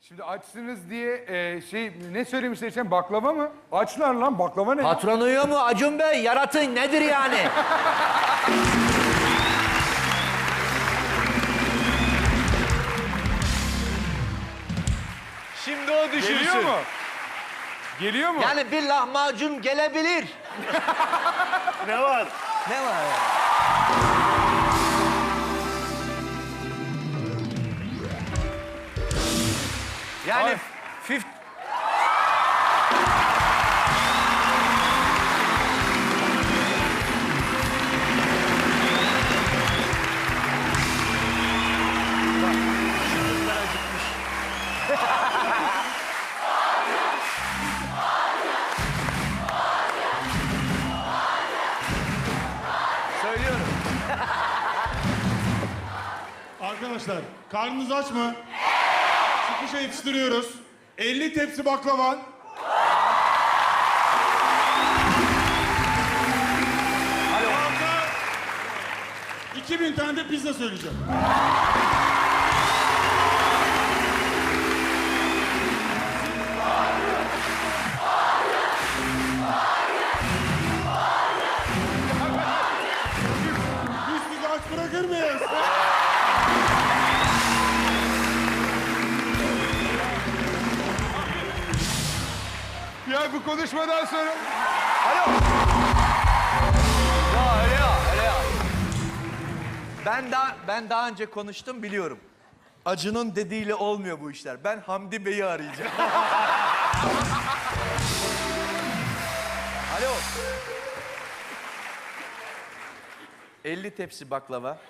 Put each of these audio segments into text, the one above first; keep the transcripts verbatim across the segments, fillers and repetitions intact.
Şimdi açsınız diye e, şey ne söylemişler için baklava mı? Açlar lan baklava ne? Patron uyuyor mu Acun Bey? Yaratın nedir yani? Şimdi o düşünsün. Geliyor mu? Geliyor mu? Yani bir lahmacun gelebilir. Ne var? Ne var ya? Yani Ay. fif... Söylüyorum. Arkadaşlar karnınız aç mı? Çıkışa yetiştiriyoruz. elli tepsi baklava. Alo. iki bin tane de pizza söyleyeceğim. Biz sizi aç bırakır mıyız? Ya bu konuşmadan sonra... Alo. Ya öyle ya, öyle ya. Ben daha ben daha önce konuştum biliyorum. Acun'un dediğiyle olmuyor bu işler. Ben Hamdi Bey'i arayacağım. Alo. elli tepsi baklava.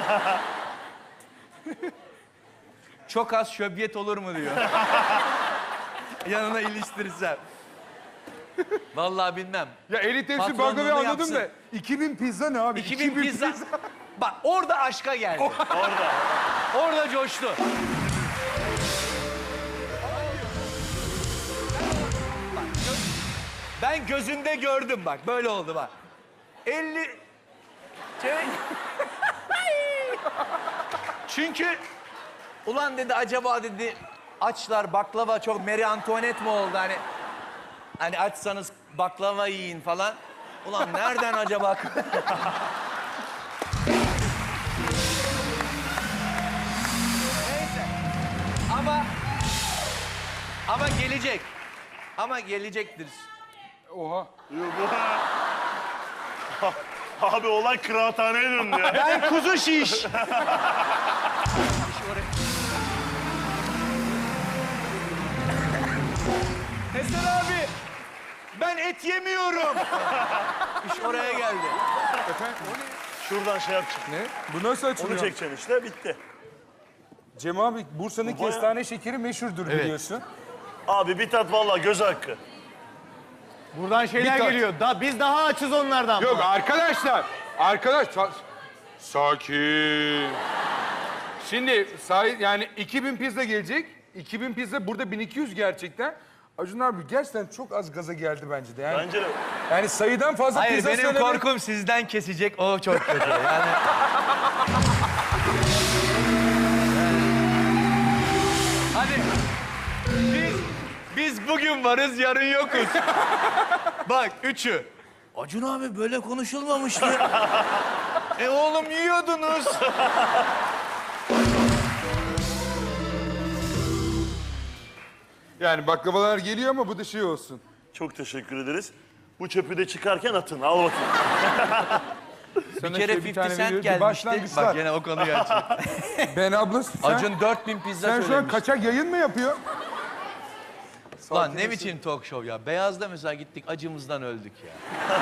Çok az şöbiyet olur mu diyor. Yanına iliştirirsem. Vallahi bilmem. Ya elli tepsi Patronluğunu baklavayı anladım yapsın. da iki bin pizza ne abi? iki bin pizza. Bak orada aşka geldi. Orada. Orada coştu. Bak, gö- ben gözünde gördüm bak. Böyle oldu bak. elli... Şey- Çünkü... Ulan dedi acaba dedi... Açlar baklava çok Marie Antoinette mi oldu hani... Hani açsanız baklava yiyin falan. Ulan nereden acaba? Neyse. Ama... Ama gelecek. Ama gelecektir. Oha. Abi olay kıraathaneye döndü ya. Ben kuzu şiş. Eser abi, ben et yemiyorum. İş oraya geldi. Efendim o ne? Şuradan şey yapacaksın. Ne? Bu nasıl Onu açılıyor? çekeceksin işte bitti. Cem abi Bursa'nın Bu bayağı- kestane şekeri meşhurdur biliyorsun. Abi bir tat vallahi göz hakkı. Buradan şeyler Bir tat. geliyor. Da, biz daha açız onlardan. Yok arkadaşlar. Arkadaş sa- sakin. Şimdi sahi, yani iki bin pizza gelecek. iki bin pizza burada bin iki yüz gerçekten. Acun abi gerçekten çok az gaza geldi bence de. Yani, Bence de. yani sayıdan fazla Hayır pizza benim söyleme- korkum sizden kesecek. O çok kötü. Yani... Hadi. Biz, biz bugün varız, yarın yokuz. Bak üçü. Acun abi böyle konuşulmamıştı. E oğlum yiyordunuz. Yani baklavalar geliyor ama bu da şey olsun. Çok teşekkür ederiz. Bu çöpü de çıkarken atın. Al bakayım. Sana Bir kere şöyle elli tane Cent veriyoruz. gelmişti. Başlangıçlar. Bak gene o konuyu açıyor. Ben abla sen, Acun dört bin pizza sen şu an söylemiş. kaçak yayın mı yapıyor? Lan ne biçim talk show ya. Beyaz'da mesela gittik acımızdan öldük ya.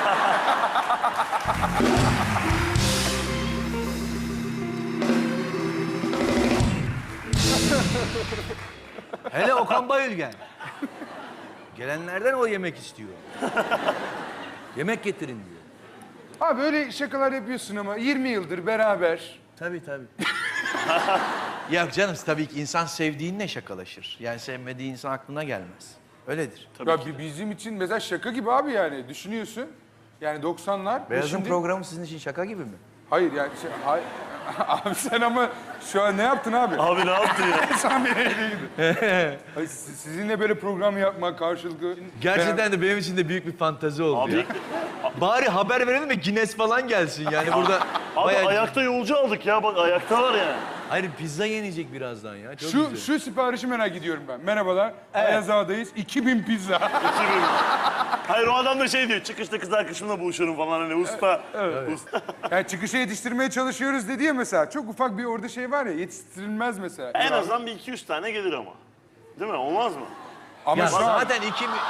Hele Okan Bayülgen. Gelenlerden o yemek istiyor. Yemek getirin diyor. Abi öyle şakalar yapıyorsun ama yirmi yıldır beraber. Tabii tabii. Ya canım tabii ki insan sevdiğinle şakalaşır. Yani sevmediği insan aklına gelmez. Öyledir. Ya bi- bizim için mesela şaka gibi abi yani düşünüyorsun. Yani doksanlar. ve Beyaz'ın şimdi- programı sizin için şaka gibi mi? Hayır yani şey, hay- abi sen ama Şu an ne yaptın abi? Abi ne yaptın ya? Sen beni eleydin. Ay, siz- Sizinle böyle program yapmak karşılıklı... Gerçekten de benim için de büyük bir fantezi oldu Abi, ya. Bari haber verelim de Guinness falan gelsin yani burada. abi bayağı- ayakta yolcu aldık ya. Bak ayaktalar yani. Hayır pizza yenecek birazdan ya. Çok Şu, güzel. şu siparişi merak ediyorum ben. Merhabalar, Ayaz Ağa'dayız. iki bin pizza. İki bin. Hayır o adam da şey diyor. Çıkışta kız arkadaşımla buluşurum falan hani usta. usta. Yani çıkışa yetiştirmeye çalışıyoruz dedi ya mesela. Çok ufak bir orada şey var ya, yetiştirilmez mesela. En Ya, azından bir iki yüz tane gelir ama. Değil mi? Olmaz mı? Ama Ya şu an zaten iki mi...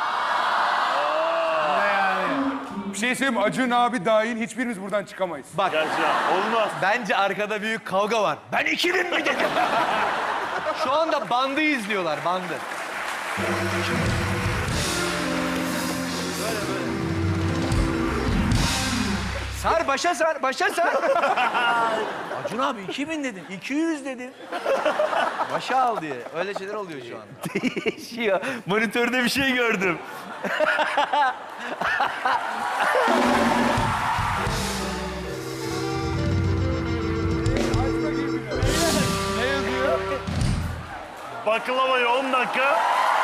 bir şey söyleyeyim mi? Acun abi dahil hiçbirimiz buradan çıkamayız. Bak Gerçi ya, olmaz. bence arkada büyük kavga var. Ben iki bin mi dedim? Şu anda bandı izliyorlar, bandı. Böyle böyle. Sar, başa sar, başa sar. Acun abi iki bin dedin, iki yüz dedin. Başa al diye. Öyle şeyler oluyor şu anda. Değişiyor. Monitörde bir şey gördüm. Ne yazıyor? Baklavayı on dakika.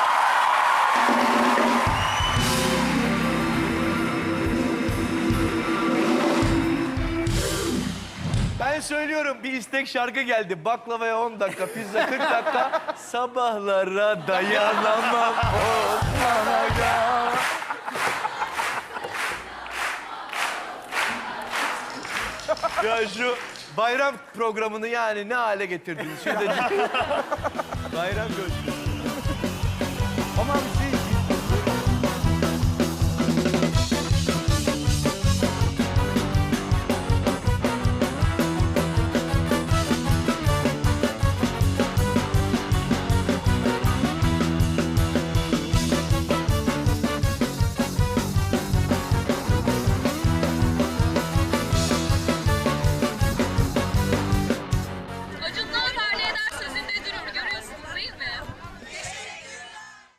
Ben söylüyorum bir istek şarkı geldi. Baklavaya on dakika, pizza kırk dakika. Sabahlara dayanamam. Osmanaga. Ya şu bayram programını yani ne hale getirdiniz? Şurada bayram gösterisi.